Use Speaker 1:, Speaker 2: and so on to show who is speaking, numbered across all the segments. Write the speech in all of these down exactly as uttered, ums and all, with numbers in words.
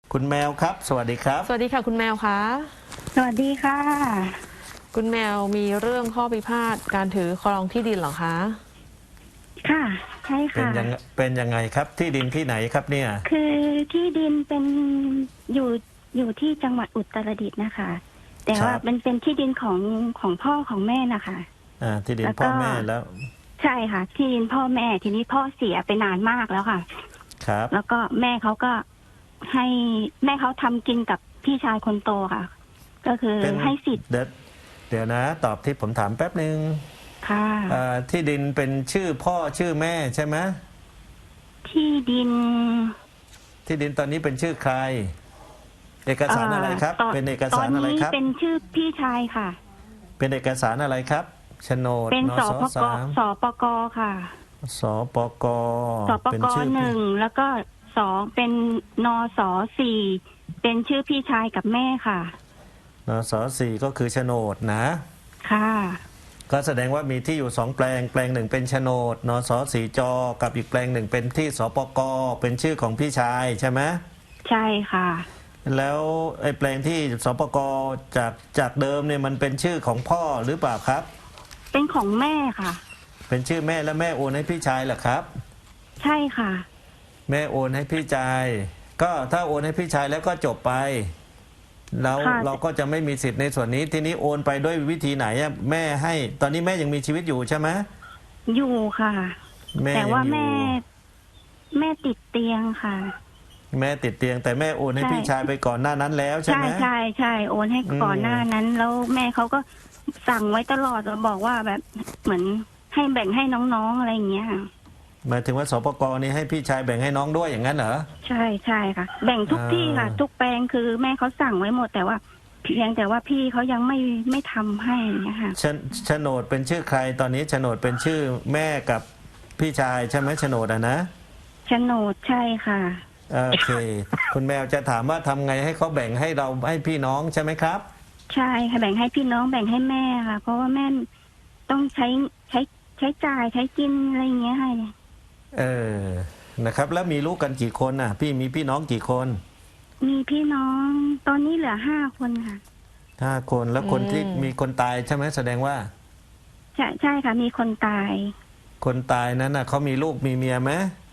Speaker 1: คุณแมวครับสวัสดีครับ
Speaker 2: สวัสดีค่ะคุณแมวคะ
Speaker 3: สวัสดีค่ะ
Speaker 2: คุณแมวมีเรื่องข้อพิพาทการถือครองที่ดินเหรอคะ
Speaker 3: ค่ะใช่
Speaker 1: เป็น
Speaker 3: ค่ะ
Speaker 1: ยังเป็นยังไงครับที่ดินที่ไหนครับเนี่ย
Speaker 3: คือที่ดินเป็นอยู่อยู่ที่จังหวัดอุตรดิตถ์นะคะแต่ว่าเป็นเป็นที่ดินของของพ่อของแม่นะคะ
Speaker 1: อ่าที่ดินพ่อแม่แล้ว
Speaker 3: ใช่ค่ะที่ดินพ่อแม่ทีนี้พ่อเสียไปนานมากแล้วค่ะ
Speaker 1: ครับ
Speaker 3: แล้วก็แม่เขาก็ให้แม่เขาทำกินกับพี่ชายคนโตค่ะก็คือให้สิทธิ์
Speaker 1: เดี๋ยวเดี๋ยวนะตอบที่ผมถามแป๊บหนึ่ง
Speaker 3: ค่ะ
Speaker 1: ที่ดินเป็นชื่อพ่อชื่อแม่ใช่ไหม
Speaker 3: ที่ดิน
Speaker 1: ที่ดินตอนนี้เป็นชื่อใครเอกสารอะไรครับเป็นเอกสารอะไรครับ
Speaker 3: ตอนนี้เป็นชื่อพี่ชายค่ะ
Speaker 1: เป็นเอกสารอะไรครับโฉนด
Speaker 3: เป็นสปกสปกค่ะ
Speaker 1: สปก
Speaker 3: สปกหนึ่งแล้วก็สองเป็นนสสี่เป็นชื่อพี่ชายกับแม่ค่ะ
Speaker 1: นสสี่ก็คือโฉนดนะ
Speaker 3: ค่ะ
Speaker 1: ก็แสดงว่ามีที่อยู่สองแปลงแปลงหนึ่งเป็นโฉนดนสสี่จกับอีกแปลงหนึ่งเป็นที่สปกเป็นชื่อของพี่ชายใช่ไหม
Speaker 3: ใช่ค่ะ
Speaker 1: แล้วไอ้แปลงที่สปกจากจากเดิมเนี่ยมันเป็นชื่อของพ่อหรือเปล่าครับ
Speaker 3: เป็นของแม่ค่ะ
Speaker 1: เป็นชื่อแม่และแม่โอนให้พี่ชายเหรอครับ
Speaker 3: ใช่ค่ะ
Speaker 1: แม่โอนให้พี่ชายก็ถ้าโอนให้พี่ชายแล้วก็จบไปแล้วเราก็จะไม่มีสิทธิ์ในส่วนนี้ทีนี้โอนไปด้วยวิธีไหนอะแม่ให้ตอนนี้แม่ยังมีชีวิตอยู่ใช่ไหม
Speaker 3: อยู่ค่ะแต่ว่าแม่แม่ติดเตียงค่ะ
Speaker 1: แม่ติดเตียงแต่แม่โอนให้พี่ชายไปก่อนหน้านั้นแล้วใช่ไหม
Speaker 3: ใช่ใช่ใช่โอนให้ก่อนหน้านั้นแล้วแม่เขาก็สั่งไว้ตลอดบอกว่าแบบเหมือนให้แบ่งให้น้องๆอะไรอย่างเงี้ย
Speaker 1: หมายถึงว่าสปกนี่ให้พี่ชายแบ่งให้น้องด้วยอย่างนั้นเหรอ
Speaker 3: ใช่ใช่ค่ะแบ่งทุกที่ค่ะทุกแปลงคือแม่เขาสั่งไว้หมดแต่ว่าเพียงแต่ว่าพี่เขายังไม่ไม่ทำให้นะคะ
Speaker 1: โฉนดเป็นชื่อใครตอนนี้โฉนดเป็นชื่อแม่กับพี่ชายใช่ไหมโฉนดอ่ะนะ
Speaker 3: โฉนดใช่ค่ะ
Speaker 1: โอเคคุณแมวจะถามว่าทำไงให้เขาแบ่งให้เราให้พี่น้องใช่ไหมครับ
Speaker 3: ใช่ค่ะแบ่งให้พี่น้องแบ่งให้แม่ค่ะเพราะว่าแม่ต้องใช้ใช้ใช้จ่ายใช้กินอะไรอย่างเงี้ยให้
Speaker 1: เออนะครับแล้วมีลูกกันกี่คนน่ะพี่มีพี่น้องกี่คน
Speaker 3: มีพี่น้องตอนนี้เหลือห้าคนค่ะ
Speaker 1: ห้าคนแล้วคนที่มีคนตายใช่ไหมแสดงว่า
Speaker 3: ใช่ใช่ค่ะมีคนตาย
Speaker 1: คนตายนั้นน่ะเขามีลูกมีเมียไหม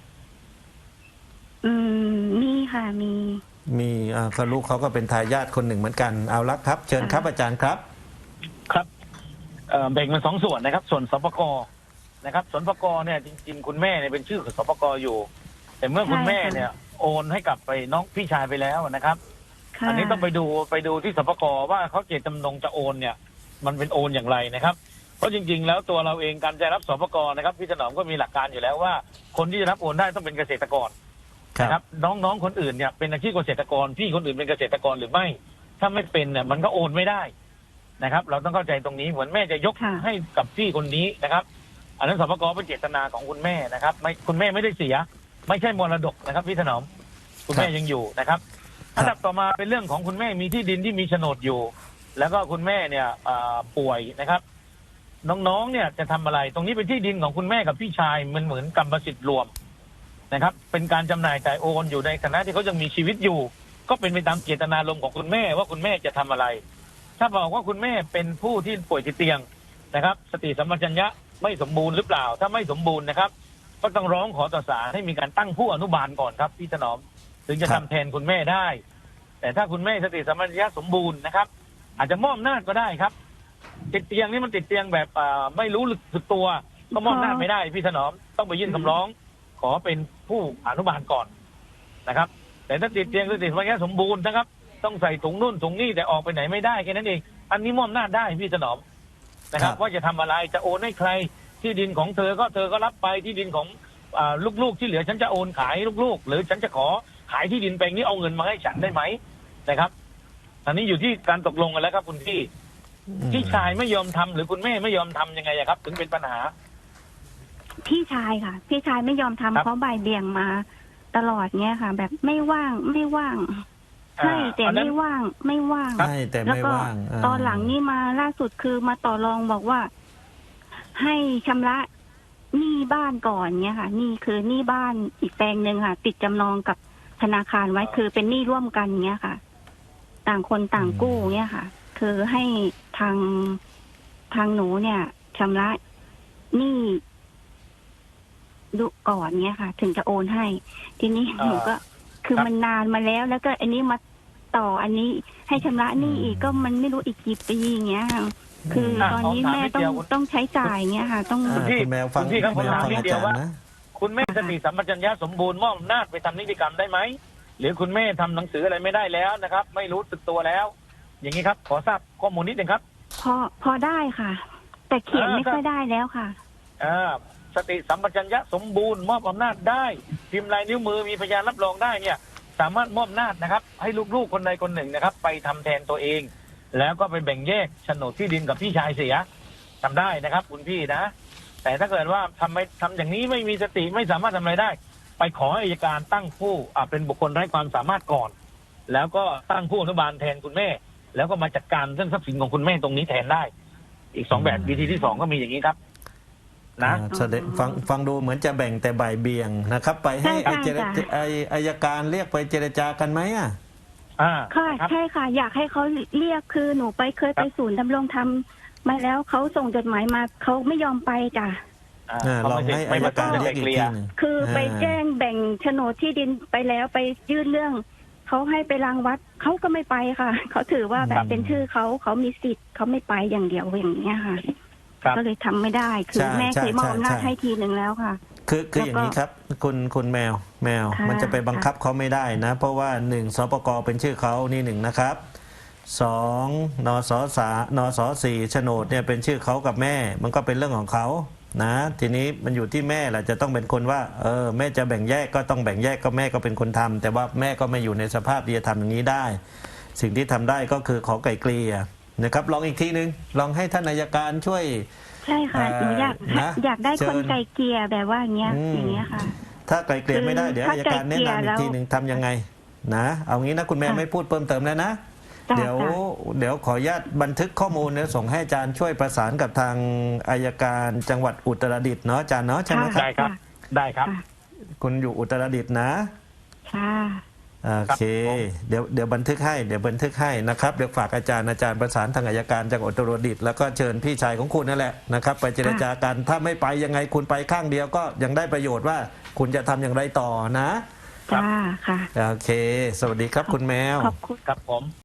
Speaker 3: อืมมีค่ะมี
Speaker 1: มีอ่าก็ลูกเขาก็เป็นทายาทคนหนึ่งเหมือนกันเอาละครับเชิญครับอาจารย์ครับ
Speaker 4: ครับแบ่งเป็นสองส่วนนะครับส่วนสปกนะครับสปกเนี่ยจริงๆคุณแม่เนี่ยเป็นชื่อของสปกอยู่แต่เมื่อคุณแม่เนี่ยโอนให้กับไปน้องพี่ชายไปแล้วนะครับอันนี้ต้องไปดูไปดูที่สปกว่าเขาเจตจำนงจะโอนเนี่ยมันเป็นโอนอย่างไรนะครับเพราะจริงๆแล้วตัวเราเองการจะรับสปกนะครับพี่ถนอมก็มีหลักการอยู่แล้วว่าคนที่จะรับโอนได้ต้องเป็นเกษตรกรนะครับน้องๆคนอื่นเนี่ยเป็นอาชีพเกษตรกรพี่คนอื่นเป็นเกษตรกรหรือไม่ถ้าไม่เป็นเนี่ยมันก็โอนไม่ได้นะครับเราต้องเข้าใจตรงนี้เหมือนแม่จะยกให้กับพี่คนนี้นะครับอันนั้นสปกเป็นเจตนาของคุณแม่นะครับไม่คุณแม่ไม่ได้เสียไม่ใช่มรดกนะครับพี่ถนอมคุณแม่ยังอยู่นะครับอันดับต่อมาเป็นเรื่องของคุณแม่มีที่ดินที่มีโฉนดอยู่แล้วก็คุณแม่เนี่ยป่วยนะครับน้องๆเนี่ยจะทำอะไรตรงนี้เป็นที่ดินของคุณแม่กับพี่ชายมันเหมือนกรรมสิทธิ์รวมนะครับเป็นการจำหน่ายจ่ายโอนอยู่ในฐานะที่เขายังมีชีวิตอยู่ก็เป็นไปตามเจตนารมณ์ของคุณแม่ว่าคุณแม่จะทำอะไรถ้าบอกว่าคุณแม่เป็นผู้ที่ป่วยติดเตียงนะครับสติสัมปชัญญะไม่สมบูรณ์หรือเปล่าถ้าไม่สมบูรณ์นะครับก็ต้องร้องขอต่อศาลให้มีการตั้งผู้อนุบาลก่อนครับพี่ถนอมถึงจะทำแทนคุณแม่ได้แต่ถ้าคุณแม่สติสัมปชัญญะสมบูรณ์นะครับอาจจะมอบอำนาจก็ได้ครับติดเตียงนี่มันติดเตียงแบบไม่รู้สึกตัวก็มอบอำนาจไม่ได้พี่ถนอมต้องไปยื่นคำร้องขอเป็นผู้อนุบาลก่อนนะครับแต่ถ้าติดเตียงสติสัมปชัญญะสมบูรณ์นะครับต้องใส่ถุงนู่นถุงนี่แต่ออกไปไหนไม่ได้แค่นั้นเองอันนี้มอบอำนาจได้พี่ถนอมนะครับว่าจะทำอะไรจะโอนให้ใครที่ดินของเธอก็เธอก็รับไปที่ดินของลูกๆที่เหลือฉันจะโอนขายลูกๆหรือฉันจะขอขายที่ดินแปลงนี้เอาเงินมาให้ฉันได้ไหมนะครับอันนี้อยู่ที่การตกลงกันแล้วครับคุณพี่พี่ชายไม่ยอมทำหรือคุณแม่ไม่ยอมทำยังไงครับถึงเป็นปัญหา
Speaker 3: พี่ชายค่ะพี่ชายไม่ยอมทำเพราะบ่ายเบี่ยงมาตลอดเงี้ยค่ะแบบไม่ว่างไม่ว่างให้แต่ไม่ว่างไม่ว่าง
Speaker 1: ให้แต่ไม่ว่าง
Speaker 3: ตอนหลังนี่มาล่าสุดคือมาต่อรองบอกว่าให้ชำระหนี้บ้านก่อนเงี้ยค่ะนี่คือหนี้บ้านอีกแปลงหนึ่งค่ะติดจำนองกับธนาคารไว้คือเป็นหนี้ร่วมกันเงี้ยค่ะ ต่างคนต่างกู้เงี้ยค่ะ คือให้ทางทางหนูเนี่ยชำระหนี้ดูก่อนเงี้ยค่ะ ถึงจะโอนให้ ทีนี้
Speaker 4: อ่า
Speaker 3: หนูก็ คือ
Speaker 4: ครับ
Speaker 3: มันนานมาแล้ว แล้วก็อันนี้มาต่ออันนี้ให้ชำระหนี้อีกก็มันไม่รู้อีกกี่ปีอย่างเงี้ยค่ะ คือตอนนี้แม่ต้องต้องใช้จ่ายเงี้ยค่ะ ต้อง
Speaker 1: อ่าคุณแมวฟัง
Speaker 4: คุณพี่ครับ
Speaker 1: แมวฟัง
Speaker 4: ผมถามนิด
Speaker 1: อา
Speaker 4: เดียว
Speaker 1: จาร
Speaker 4: ว่า
Speaker 1: ย์นะ
Speaker 4: คุณแม่สติสัมปชัญญะสมบูรณ์มอบอำนาจไปทำนิติกรรมได้ไหมหรือคุณแม่ทำหนังสืออะไรไม่ได้แล้วนะครับ ไม่รู้สึกตัวแล้ว อย่างนี้ครับ ขอทราบข้อมูลนิดนึงครับ
Speaker 3: พอพอได้ค่ะ แต่เขียน
Speaker 4: อ่า
Speaker 3: ไม่ค่อยได้แล้วค่ะ
Speaker 4: อ่าสติสัมปชัญญะสมบูรณ์มอบอำนาจได้พิมพ์ลายนิ้วมือมีพยานรับรองได้เนี่ย สามารถมอบอำนาจนะครับ ให้ลูกๆคนใดคนหนึ่งนะครับ ไปทำแทนตัวเอง แล้วก็ไปแบ่งแยกโฉนดที่ดินกับพี่ชายเสียทำได้นะครับ คุณพี่นะ แต่ถ้าเกิดว่าทำไม่ทำอย่างนี้ไม่มีสติไม่สามารถทำอะไรได้ ไปขอให้อัยการตั้งผู้อ่าเป็นบุคคลไร้ความสามารถก่อน แล้วก็ตั้งผู้อนุบาลแทนคุณแม่ แล้วก็มาจัดการเรื่องทรัพย์สินของคุณแม่ตรงนี้แทนได้ อีกสองแบบวิธีที่สองก็มีอย่างนี้ครับ นะ
Speaker 1: อ่าแสดงฟังฟังดูเหมือนจะแบ่งแต่บ่ายเบี่ยงนะครับ ไปให้
Speaker 3: ใช่
Speaker 1: ไอเจร
Speaker 3: ค่ะ
Speaker 1: ไออายการเรียกไปเจรจากันไหมอ่ะ
Speaker 4: อ่า
Speaker 3: ค่ะ
Speaker 4: ครับ
Speaker 3: ใช่ค่ะ อยากให้เขาเรียกคือหนูไปเคยไปศูนย์ดำรงธรรมมาแล้วเขาส่งจดหมายมาเขาไม่ยอมไปจ้ะ
Speaker 4: อ่า
Speaker 1: อ่า
Speaker 4: เขา
Speaker 1: ลอง
Speaker 4: ไม่
Speaker 1: ให้
Speaker 4: ไม่
Speaker 1: อาย
Speaker 4: ประ
Speaker 1: การ
Speaker 4: จะ
Speaker 1: เรี
Speaker 4: ไป
Speaker 1: ยกอี
Speaker 4: เค
Speaker 1: ก
Speaker 4: ลีย
Speaker 1: ที
Speaker 4: ร์
Speaker 1: หนึ่ง
Speaker 3: คือไป
Speaker 1: อ่า
Speaker 3: แจ้งแบ่งโฉนดที่ดินไปแล้วไปยื่นเรื่องเขาให้ไปรางวัดเขาก็ไม่ไปค่ะ เขาถือว่าแบ
Speaker 4: ครับ บ
Speaker 3: เป็นชื่อเขาเขามีสิทธิ์เขาไม่ไปอย่างเดียวอย่างเงี้ยค่ะ
Speaker 4: ครับ
Speaker 3: ก็เลยทำไม่ได้ คือ
Speaker 1: ใช่
Speaker 3: แม่เคยมอบอำนาจ
Speaker 1: ใช่
Speaker 3: ให้ทีหนึ่งแล้วค่ะ
Speaker 1: คือคือ
Speaker 3: แล้วก็
Speaker 1: อย่างนี้ครับ คุณคุณแมวแมว
Speaker 3: ค่ะ
Speaker 1: มันจะไปบังคับเขาไม่ได้นะ เพราะว่าหนึ่งสปกเป็นชื่อเขานี่หนึ่งนะครับสองนสสานสสี่โฉนดเนี่ยเป็นชื่อเขากับแม่ มันก็เป็นเรื่องของเขานะ ทีนี้มันอยู่ที่แม่แหละจะต้องเป็นคนว่าเออแม่จะแบ่งแยกก็ต้องแบ่งแยกก็แม่ก็เป็นคนทำแต่ว่าแม่ก็ไม่อยู่ในสภาพที่จะทำอย่างนี้ได้ สิ่งที่ทำได้ก็คือขอไกลเกลี่ยนะครับลองอีกทีหนึ่งลองให้ท่านอัยการช่วย
Speaker 3: ใช่ค่ะ
Speaker 1: เอ่อ
Speaker 3: หนูอยาก
Speaker 1: นะ
Speaker 3: อยากได้
Speaker 1: เชิ
Speaker 3: ค
Speaker 1: ญ
Speaker 3: นไกลเกลี่ยแบบว่าอย่างเงี้ย
Speaker 1: อืม
Speaker 3: อย่างเงี้ยค่ะ
Speaker 1: ถ้าไกลเกลี่ยไม่ได้
Speaker 3: คือ
Speaker 1: เดี๋ยว
Speaker 3: ถ้า
Speaker 1: อัยการแนะนำอีกทีหนึ่งทำยังไงนะเอางี้นะคุณแม่
Speaker 3: ค่ะ
Speaker 1: ไม่พูดเพิ่มเติมแล้วนะ
Speaker 3: จ้ะ
Speaker 1: เดี๋ยว
Speaker 3: จ้ะ
Speaker 1: เดี๋ยวขออนุญาตบันทึกข้อมูลแล้วส่งให้อาจารย์ช่วยประสานกับทางอายการจังหวัดอุตรดิตถ์เนาะอาจารย์เนาะใช่ไหมครับ
Speaker 4: ได้ครับ ได้ครับ
Speaker 3: ค่ะ
Speaker 1: คุณอยู่อุตรดิตถ์นะ
Speaker 3: ค่ะ
Speaker 1: โอเค
Speaker 4: ครับผม
Speaker 1: เดี๋ยวเดี๋ยวบันทึกให้เดี๋ยวบันทึกให้นะครับเดี๋ยวฝากอาจารย์อาจารย์ประสานทางอายการจังหวัดอุตรดิตถ์แล้วก็เชิญพี่ชายของคุณนั่นแหละนะครับไปเจรจากันถ้าไม่ไปยังไงคุณไปข้างเดียวก็ยังได้ประโยชน์ว่าคุณจะทำอย่างไรต่อนะ
Speaker 3: จ้าค่ะ
Speaker 1: โอเค สวัสดีครับคุณแมว
Speaker 3: ขอบคุณ
Speaker 4: ครับผม